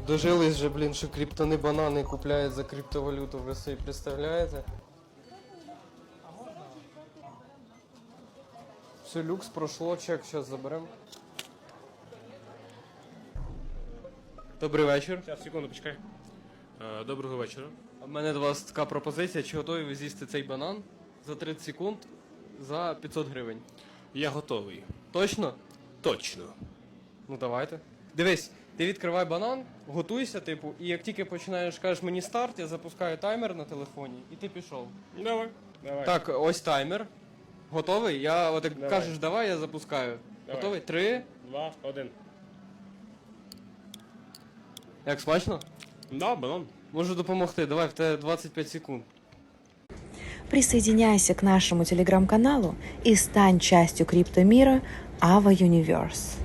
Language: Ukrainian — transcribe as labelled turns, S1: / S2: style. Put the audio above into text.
S1: Дожились же, блін, що криптони банани купляють за криптовалюту, ви собі представляєте? Все, люкс пройшло, чек зараз заберемо. Добрий вечір.
S2: Зараз, секунду, почекай. Доброго вечора.
S1: У мене до вас така пропозиція, чи готові ви з'їсти цей банан за 30 секунд за 500 гривень?
S2: Я готовий.
S1: Точно?
S2: Точно.
S1: Ну давайте. Дивись, ти відкривай банан, готуйся, типу, і як тільки починаєш, кажеш мені старт, я запускаю таймер на телефоні, і ти пішов.
S2: Давай.
S1: Так, ось таймер. Готовий? Я от як
S2: Давай.
S1: кажеш, давай, я запускаю.
S2: Давай.
S1: Готовий? 3.
S2: 2, 1.
S1: Як смачно?
S2: Да, банан.
S1: Можу допомогти, давай, в тебе 25 секунд.
S3: Присоединяйся к нашему телеграм-каналу и стань частью криптомира Ava Universe.